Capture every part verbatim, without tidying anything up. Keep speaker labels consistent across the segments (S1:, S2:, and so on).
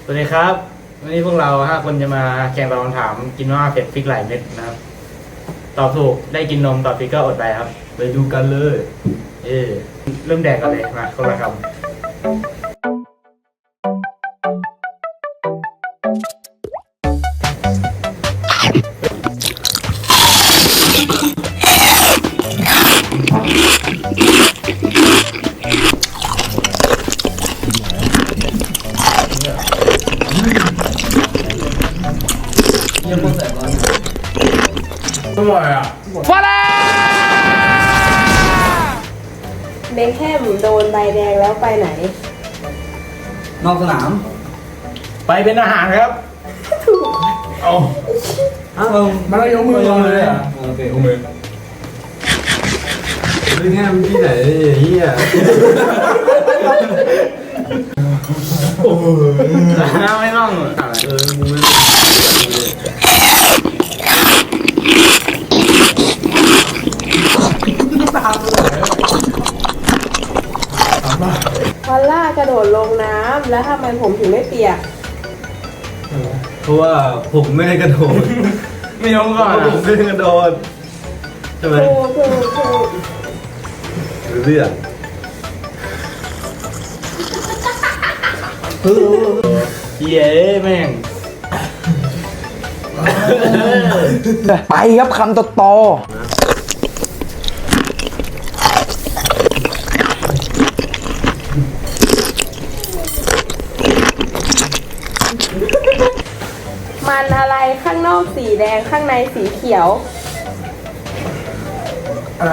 S1: สวัสดีครับวันนี้พวกเราห้าคนจะมาแข่งตอบคำถามกินมาม่าเผ็ดพริกหลายเม็ดนะครับตอบถูกได้กินนมตอบผิดก็อดไปครับ
S2: ไปดูกันเลย
S1: เออเริ่มแดกกันเลยมาคนละคำ
S2: ยังคนแสบร้อนอร่อยอ่ะ
S3: ฟาลาเบคแฮมโดนใบแดงแล้วไปไหน
S2: นอกสนาม
S1: ไปเป็นอาหารครับเอา
S2: อ้าวมันยกมือเลยอ่ะโอเคยกมือไม่แง่ที่ไหนเฮีย
S1: โอ้โหไม่ต้อง
S2: เออมึงไม่
S3: พอลล่ากระโดดลงน้ำแล้วทำไมผมถึงไม่เปียก
S2: เพราะว่าผมไม่ได้กระโดด
S1: ไม่ยอมก่อน
S2: ผมไม่ได้กระโดดใช่ไหม
S3: ถูกถูกถูก
S2: เรื่อง
S1: เย้แม่ง
S4: ไปครับคำโต
S3: มันอะไรข้างนอกสีแดงข้างในสีเขียว
S1: อะไร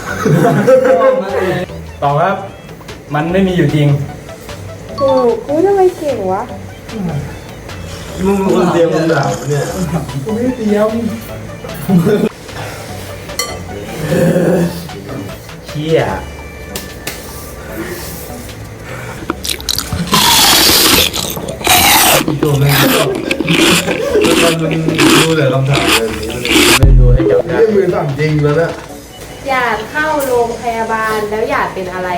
S1: ตอบครับมันไม่มีอยู่จริง
S3: ถูกกูทำไมเก่งวะ
S2: มึงเป็นคนเตรียมคำถามเนี่ย
S1: กูไม่เตรียมเชี่ย
S2: ตัวมันมันมันดูแต่คำถามแบบนี้มัน
S1: ไม่ดูให้จับได้
S2: มือสั่งจริงแล้วนะ
S3: หยาดเข้าโรงพยาบาลแล้วหยาดเป็นอะไร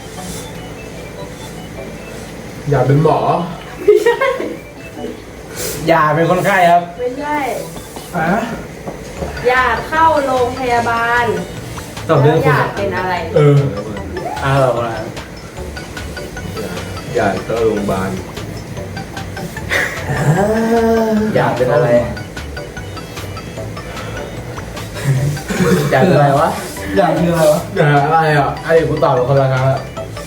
S2: อยากเป็นหมอ
S3: ไม่ใช่
S1: อย่าเป็นคนไข้ครับ
S3: ไม่ใช่
S1: อะ
S3: หยาดเข้าโรงพยาบาลแล้วหยาดเป็นอะไร
S1: เอออ้าวมา
S2: อยากเข้าโรงพยาบาล
S1: อยากเป็นอะไรอยากเป็นอะไรวะ
S2: อยากเป็นอะไรวะอยากอะไรอ่ะ
S1: ไอ้กูตอบเป็นคนละครั้งแล้ว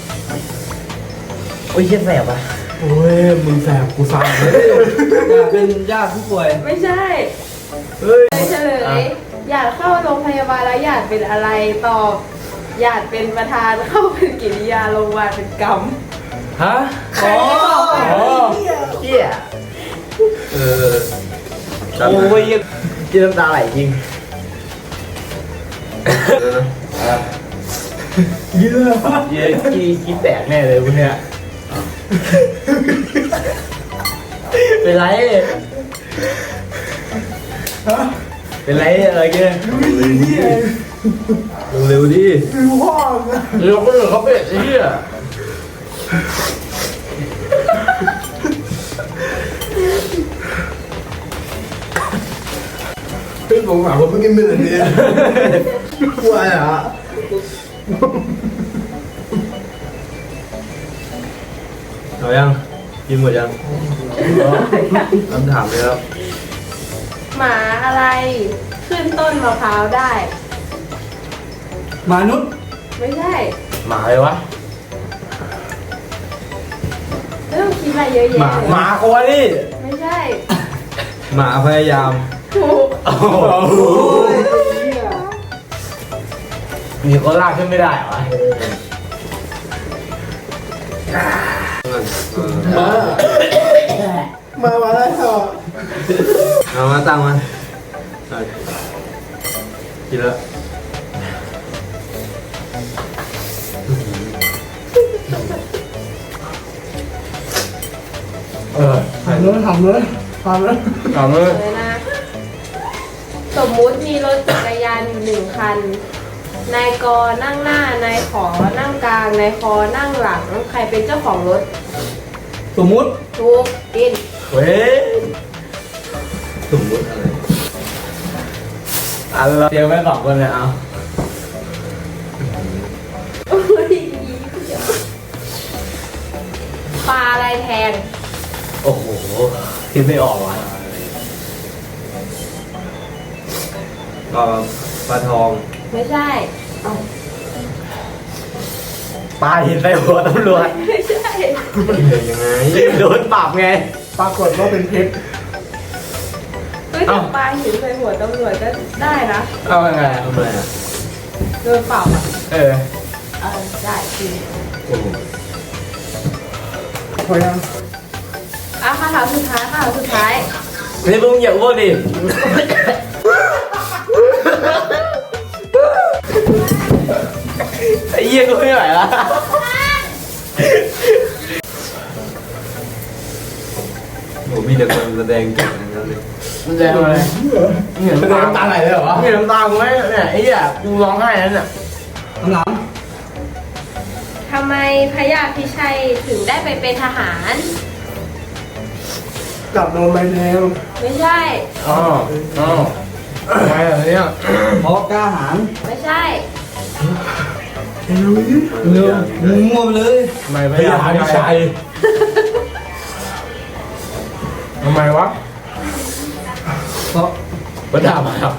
S1: โอ้ยเชี่ยแสบอ่ะ
S2: โอ้ยมึงแสบกูสั่งเลยอยากเป็นญาติผู้ป่วย
S3: ไม่ใช่
S2: เฮ้ย
S3: เฉลยหยาดเข้าโรงพยาบาลแล้วหยาดเป็นอะไรตอบหยาดเป็นประธานเข้าเป็นกิริยาโรงพยาบาลเป็นกรรม
S1: ฮะ
S3: อ๋อ
S1: เชี่ย
S2: เออ
S1: โอ้ยกินน้ำตาไหลจริง
S2: เยอะ
S1: เยอะกี้กี้แตกแน่เลยพวกเนี้ยเป็นไรเป็นไรอะไรเงี้ย
S2: เร็วดิ
S1: เร็วก็เร็วเขาเป็ดไอ้เหี้ย
S2: เป็นผมหมาผมเพิ่งกินไปเลยเนี่ยกลัวอ่ะเอายังกินหมดยังคำถามเลยครับ
S3: หมาอะไรขึ้นต้นมะพร้าวได้
S2: มนุษย์
S3: ไม่ใช่
S1: หมาเลยวะ
S3: ไม่ต้องคิดอะไรเยอะแยะ
S1: หมาโควาลี่
S3: ไม่ใช่
S2: หมาพยายาม
S3: ถูก
S1: มีคนลากขึ้นไม่ได้เหรอ
S2: มา มาได้เหรอเอามาตั้งมากินแล้ว
S1: เออทำเลยทำเลยทำเลยทำเลย
S3: นะสมมุติมีรถจักรยานอยู่หนึ่งคัน นายกนั่งหน้านายขอนั่งกลางนายคอนั่งหลังใครเป็นเจ้าของรถ
S2: ผสมมุติ
S3: ถูกกิน
S1: เว้ย
S2: สมมุติอะไร
S1: อ่ะเราเตรียมไว้สองคนเลยเอา
S3: โอ้ยปลาอะไรแทง
S1: โอ้โหคิดไม่ออกว่ะ
S2: ก็ปลาทอง
S3: ไม่ใช่
S1: ปลาหินใส่หัวตำรวจ
S3: ไม่ใช่
S2: ยังไง
S1: โดนปรับไง
S2: ปรากฏว่าเป็นเพชร
S3: เฮ้ยแต่ปลาหินใส่หัวตำรวจก็ได้นะ
S1: เอายังไง
S2: ทำไมอ่ะ
S3: โดนเปล่าอ่ะ
S1: เออ
S3: เออได้จริง
S2: โอ้โห
S4: พอยัง
S3: อ่ะคำถามสุดท้ายคำถามสุดท้าย
S1: นี่มึงอย่าอ้วนดิไอ้เหี้ยกูไม่ไหวละ
S2: โหมีแต่คนแสดงเก่งทั้งนั้นเลย
S1: มันแดงอะไรเหงื่อน้ำตาไหลเลยเหรอเหงื่อน้ำตากูไหมเนี่ยไอ้เหี้ยกูร้องไห้นั่นน่ะ
S4: คำถาม
S3: ทำไมพระยาพิชัยถึงได้ไปเป็นทหาร
S4: จับโดนใบแดง
S3: ไม่ใช่
S1: อ๋ออ๋อทำไมอ่ะเนี่ย
S4: เพราะกล้าหาญ
S3: ไม่ใช่
S4: เร็วมึงมั่วไปเลย
S1: ทำไมพยายามพิชัยทำไมวะ
S4: เพราะ
S1: ก็ด่ามาครับ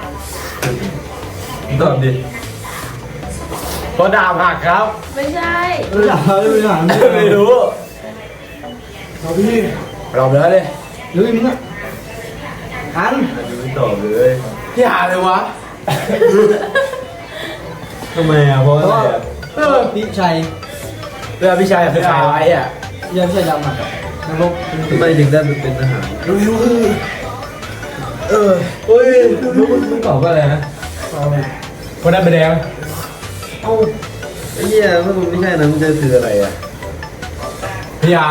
S2: ตอบดิ
S1: เพราะด่าผักครับ
S3: ไม่ใช่
S4: เอออย่าเลยไม่หา
S1: ไม่รู้
S4: เอาพี่
S1: เราไปแล้วเลย
S4: หรือมึงอ่ะอัน
S2: อันนี้ไม่ตอบเลย
S1: พี่หาเลยวะ
S2: ทำไมอ่ะเพราะ
S4: เพ
S2: อะไร
S4: ราะ
S2: อ่ะ
S4: เออพี่ชัย
S1: เรือพี่ชัยคือใครไว้อ่ะ
S4: พี่ชัยดำอ่ะนรก
S2: ทำไมถึงได้เป็นทหาร
S4: เร็วๆเออ
S2: เออเฮ้ยลูกมึงตอบว่าอะไรนะ
S1: คนนั้นเป็นแดง
S2: เอ้าไอ้เหี้ยถ้ามึงไม่ใช่นะมึงจะคืออะไรอ่ะ
S1: พี่ยา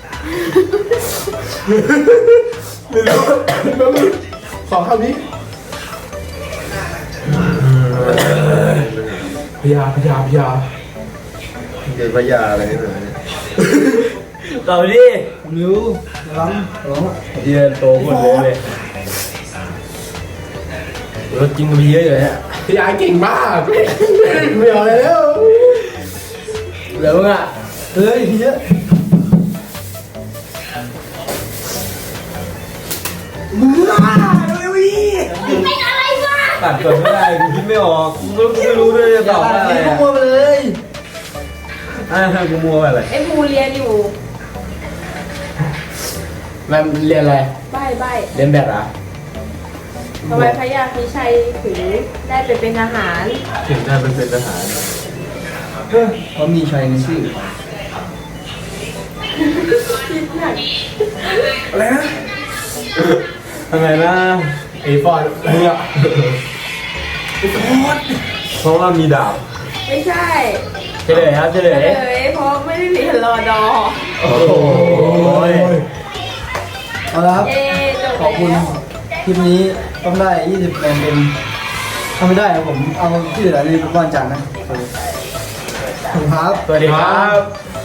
S1: ไม่รู้ขอคำนี้พี่ยาพี่ยาพี่ยา
S2: เป็นพญาอะไรนี่หน่อยเนี่ย
S1: เราดิ
S4: เร็วร้องร้อง
S1: เยืนโตคนเลยเลยเรากินกันไปเยอะเลยฮะพี่ยาเก่งมากไม่เอาเลยแล้วเหลือมึงอ่ะ
S4: เฮ้ยเยอะมึงอ่ะเร็วๆอี
S3: เป็นอะไรวะ
S2: ตัดก่อนไม่ได้กูคิดไม่ออกกูไม่กูไม่รู้ด้วยจะตอบว่าอะไร
S4: อย่า
S2: อ่ะ
S4: มั่วไปเลย
S2: อ่ากูมัวไปอะไร
S3: ไอ้ภูเรียนอยู่
S1: มันเรียนอะไร
S3: ใบใบ
S1: เรียนแบบเหรอ
S3: ทำไมพระยาพิชัยถึงได้ไปเป็นทหาร
S2: ถึงได้เป็นเป็นทหาร
S4: เออเขามีชัยในชื่อ
S3: คิดหนัก
S4: อะไรนะ
S2: ทำไมนะ
S1: ไอ้ฟอร์ดมึงอ่ะ
S2: เพราะว่ามีดาบ
S3: ไม่ใช่
S1: เฉลยครับเฉล
S3: เลย ยเพราะไม่ได้เรียนรอดอ
S1: โอ้โห
S4: เอาละครับ
S3: เย้จบ
S4: ขอบคุณ
S3: แล้ว
S4: คลิปนี้ต้องได้ยี่สิบคะแนนเต็มถ้าไม่ได้ผมเอาที่เหลือในวันจันทร์นะขอบคุณครับ
S1: สวัสดีครับ